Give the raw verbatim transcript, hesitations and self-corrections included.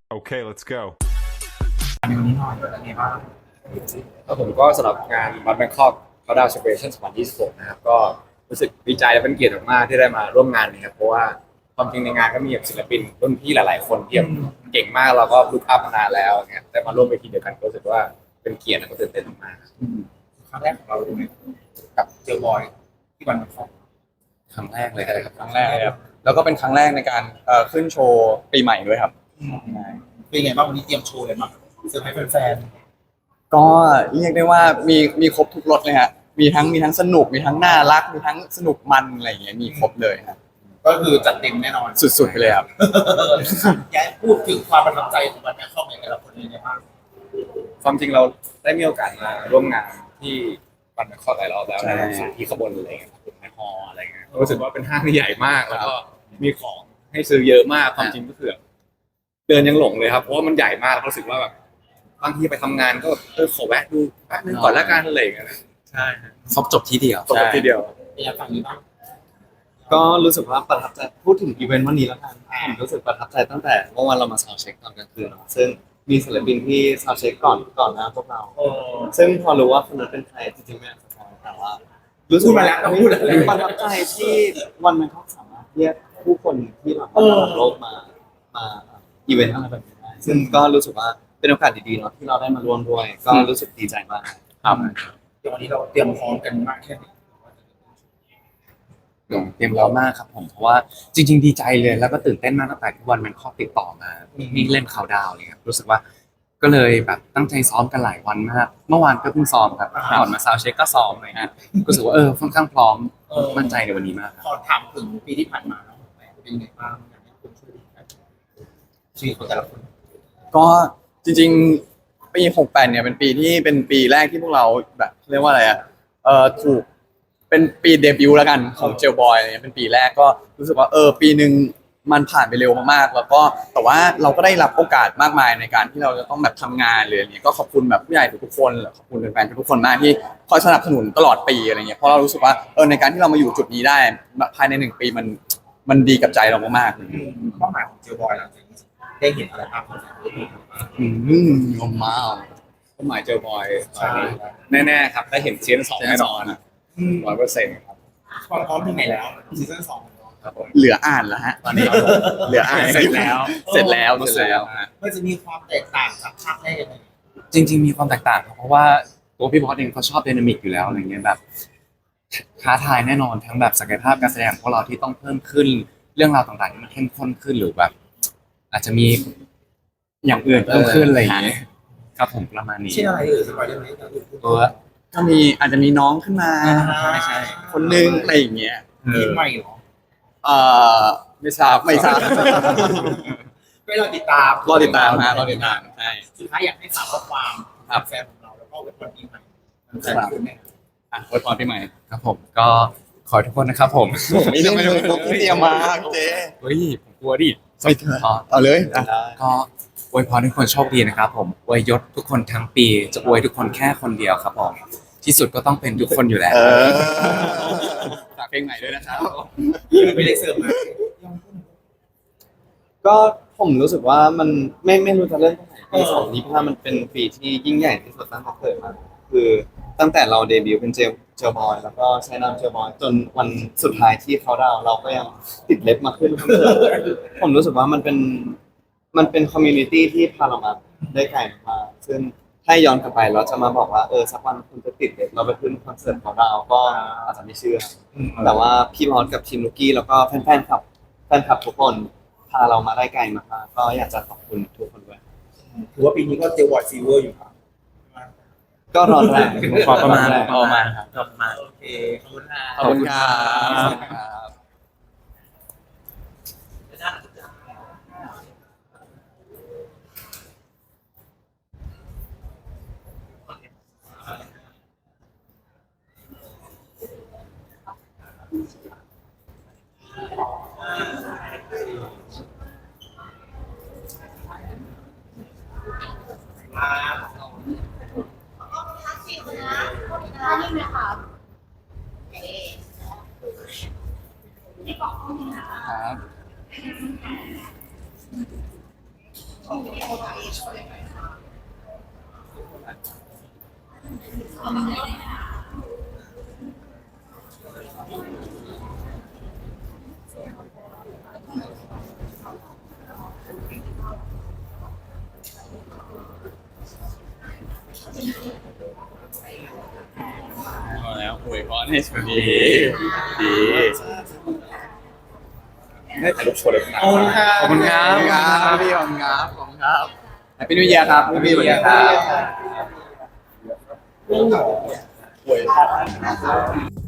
Okay, let's go. ในวันนี้หน่อยเป็นไงบ้างแล้วผมก็สำหรับงานบัตแบงคอกเขาดาวเซเลบเรชั่นสองพันยี่สิบหกนะครับก็รู้สึกดีใจและเป็นเกียรติมากๆที่ได้มาร่วมงานนี้ครับเพราะว่าความจริงในงานก็มีแบบศิลปินรุ่นพี่หลายๆคนที่แบบเก่งมากเราก็ลุกอัพมานานแล้วเนี่ยได้มาร่วมเวทีเดียวกันก็รู้สึกว่าเป็นเกียรติและก็ตื่นเต้นมากครั้งแรกของเราด้วยกับเจอบอยที่วันของๆครั้งแรกเลยครับครั้งแรกเลยครับแล้วก็เป็นครั้งแรกในการเอ่อขึ้นโชว์ปีใหม่ด้วยครับเป็นไงบ้างวันนี้เตรียมโชว์อะไรมาเซอร์ไพรส์แฟนก็เรียกได้ว่ามีมีครบทุกรสเลยฮะมีทั้งมีทั้งสนุกมีทั้งน่ารักมีทั้งสนุกมันอะไรอย่างเงี้ยมีครบเลยครับก็คือจัดเต็มแน่นอนสุดๆไปเลยครับอยากพูดถึงความประทับใจของวันนี้เข้าในแต่ละคนเลยนะครับความจริงเราได้มีโอกาสมาร่วมงานที่บัตแบงคอกหลายรอบแล้วใช่ในสถานที่ขบวนอะไรเงี้ยในฮอลล์อะไรเงี้ยรู้สึกว่าเป็นห้างที่ใหญ่มากแล้วก็มีของให้ซื้อเยอะมากความจริงก็คือเดินยังหลงเลยครับเพราะว่ามันใหญ่มากรู้สึกว่าแบบบางทีไปทำงานก็เออขอแวะดูแป๊บนึงก่อนละกันอะไรอย่างเงี้ยใช่ครบจบที่เดียวจบทีเดียวอยากฟังนี้บ้างก็รู้สึกว่าประทับใจพูดถึงอีเวนต์วันนี้แล้วกันผมรู้สึกประทับใจตั้งแต่เมื่อวานเรามาซาวด์เช็คตอนกลางคืนเนาะซึ่งมีศิลปินที่ซาวด์เช็คก่อนก่อนหน้าพวกเราโอ้ซึ่งพอรู้ว่าคนนั้นเป็นใครจริงๆไม่อยากสปอยแต่ว่ารู้สึพูกดมาแล้วก็พูดแล้วประทับใจที่วันมันเขาสามารถเรียกผู้คนที่แบบว่าระดับโลกมามาอีเวนต์อะไรแบบนี้ได้ซึ่งก็รู้สึกว่าเป็นโอกาสดีๆเนาะที่เราได้มาร่วมด้วย ก็รู้สึกดีใจมากครับเดี๋ยววันนี้เราเตรียมพร้อมกันมากแค่ไหนเตรียมพร้อมมากครับผมเพราะว่าจริง ๆดีใจเลยแล้วก็ตื่นเต้นมากตั้งแต่ที่วันมันข้อติดต่อมามีเล่นเขาดาวเลยครับรู้สึกว่าก็เลยแบบตั้งใจซ้อมกันหลายวันมากเมื่อวานก็เพิ่งซ้อมครับก่อนมาซาวด์เช็คก็ซ้อมเลยฮะรู้สึกว่าเออค่อนข้างพร้อมมั่นใจในวันนี้มากขอถามถึงปีที่ผ่านมาแล้วเป็นไงบ้างอยากให้คุณช่วยกันชีวิตของแต่ละคนก็จริงๆปีหกแปดเนี่ยเป็นปีที่เป็นปีแรกที่พวกเราแบบเรียกว่าอะไรอ่ะเอ่อถูกเป็นปีเดบิวต์แล้วกันของเจลบอยอะไรเงี้ยเป็นปีแรกก็รู้สึกว่าเออปีหนึ่งมันผ่านไปเร็วมากๆแล้วก็แต่ว่าเราก็ได้รับโอกาสมากมายในการที่เราจะต้องแบบทำงานเลยอะไรเงี้ยก็ขอบคุณแบบผู้ใหญ่ทุกๆคนขอบคุณแฟนๆทุกๆคนมากที่คอยสนับสนุนตลอดปีอะไรเงี้ยเพราะเรารู้สึกว่าเออในการที่เรามาอยู่จุดนี้ได้ภายในหนึ่งปีมันมันดีกับใจเรามากๆเป้าหมายของเจลบอยหลังจากนี้ได้เห็นอะไรบ้างครับอืมงมมากเป้าหมายเจอบอยแน่ๆครับได้เห็นซีซั่นสองแน่นอนร้อยเปอร์เซ็นต์ครับความพร้อมถึงไหนแล้วซีซั่นสองครับผมเหลืออ่านแล้วฮะตอนนี้เหลืออ่านเสร็จแล้วเสร็จแล้วเสร็จแล้วฮะมันจะมีความแตกต่างจากภาคแรกยังไงจริง ๆมีความแตกต่างครับเพราะว่าตัวพี่บอสเองเขาชอบไดนามิกอยู่แล้วอะไรเงี้ยแบบท้าทายแน่นอนทั้งแบบศักยภาพการแสดงของพวกเราที่ต้องเพิ่มขึ้นเรื่องราวต่างๆที่มันเข้มข้นขึ้นหรือแบบ อาจจะมีอย่างอื่นเพิ่มขึ้นอะไรอย่างเงี้ยครับผมประมาณนี้เช่นอะไรเอ่ยสปอยได้ไหมตัวก็มีอาจจะมีน้องขึ้นมาไม่ใช่คนนึงอะไรอย่างเงี้ยทีมใหม่เหรอเอ่อไม่ทราบไม่ทราบไม่เราติดตามรอติดตามฮะรอติดตามใช่สุดท้ายอยากให้ฝากข้อความกับแฟนของเราแล้วก็เว็บวันปีใหม่แฟนคุณแม่อ่ะอวยพรปีใหม่ครับผมก็ขอให้ทุกคนนะครับผมไม่ได้ไม่ได้เตรียมมาเจ๊เฮ้ยผมกลัวดิไม่เถอะเอาเลยอ่ะก็อวยพรให้ทุกคนโชคดีนะครับผมอวยยศทุกคนทั้งปีจะอวยทุกคนแค่คนเดียวครับผมที่สุดก็ต้องเป็นทุกคนอยู่แล้วเออฝากเพลงใหม่ด้วยนะครับไม่ได้เสิร์ฟมาก็ผมรู้สึกว่ามันไม่ไม่รู้จะเริ่มตรงไหนปีสองนี้เพราะว่ามันเป็นปีที่ยิ่งใหญ่ที่สุดตั้งแต่เกิดมาคือตั้งแต่เราเดบิวต์เป็นเจลเจลบอยแล้วก็ใช้นามเจลบอยจนวันสุดท้ายที่เขาดาวน์เราก็ยังติดเล็บมาขึ้นคอนเสิร์ตผมรู้สึกว่ามันเป็นมันเป็นคอมมูนิตี้ที่พาเรามาได้ไกลมากๆซึ่งถ้าย้อนกลับไปเราจะมาบอกว่าเออสักวันคุณจะติดเล็บเราไปขึ้นคอนเสิร์ตเขาดาวน์ก็อาจจะไม่เชื่อ แต่ว่าพี่บอสกับทีมลูกกี้แล้วก็แฟนๆขับแฟนคลับทุกคนพาเรามาได้ไกลมากๆก็อยากจะขอบคุณทุกคนด้วยถือว่าปีนี้ก็เจลวอร์ดซีเวอร์อยู่ครับก็ร้อนแรงพอประมาณประมาณครับประมาณโอเคขอบคุณค่ะขอบคุณครับทักษิณนะพวกนี้นะนี่ไหมคะโอเคพอแล้วอวยพรให้สวัสดีดีได้ถ่ายรูปโชว์เลยนะขอบคุณครับขอบคุณครับขอบคุณครับพี่ขอบคุณครับขอบคุณครับแฮปปี้นิวเยียร์ครับแฮปปี้นิวเยียร์ครับอวย